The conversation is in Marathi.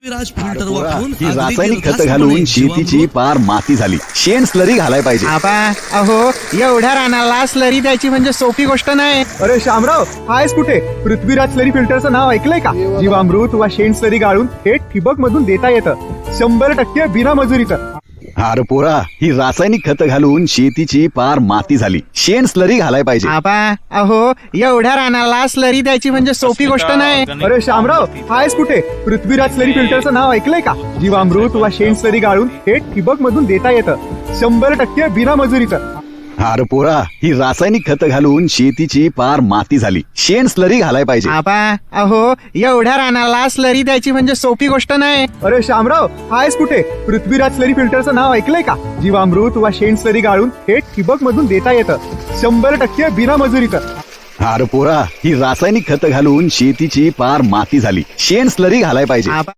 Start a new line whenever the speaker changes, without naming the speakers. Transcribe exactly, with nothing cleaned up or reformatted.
विराज फिल्टर
पोरा,
वापरून
ही
अगदी
रासायनिक खत
निर्धास्तपणे
घालून शेतीची
जीवामृत
पार माती झाली. शेण स्लरी घालाय पाहिजे.
आबा अहो एवढ्या रानाला स्लरी द्यायची म्हणजे सोपी गोष्ट नाही.
अरे शामराव आहेस कुठे? पृथ्वीराज स्लरी फिल्टरचं नाव ऐकलंय का? जीवामृत वा शेण स्लरी गाळून थेट ठिबक मधून देता येतं, शंभर टक्के बिना मजुरीचं.
अरे पोरा, ही रासायनिक खत घालून शेतीची पार माती झाली. शेण स्लरी घालाय पाहिजे.
आबा अहो एवढ्या रानाला स्लरी द्यायची म्हणजे सोपी गोष्ट नाही.
अरे शामराव आहेस कुठे? पृथ्वीराज स्लरी फिल्टरचं नाव ऐकलंय का? जीवामृत वा शेण स्लरी गाळून थेट ठिबक मधून देता येतं, शंभर टक्के बिना मजुरीचं.
अरे पोरा, ही रासायनिक खत घालून शेतीची पार माती झाली. शेण स्लरी घालाय पाहिजे.
आबा अहो एवढ्या रानाला स्लरी द्यायची म्हणजे सोपी गोष्ट नाही.
अरे शामराव आहेस कुठे? पृथ्वीराज स्लरी फिल्टरचं नाव ऐकलंय का? जीवामृत वा शेण स्लरी गाळून थेट ठिबक मधून देता येतं, शंभर टक्के बिना मजुरीचं.
अरे पोरा, ही रासायनिक खत घालून शेतीची पार माती झाली. शेण स्लरी घालाय पाहिजे.
आबा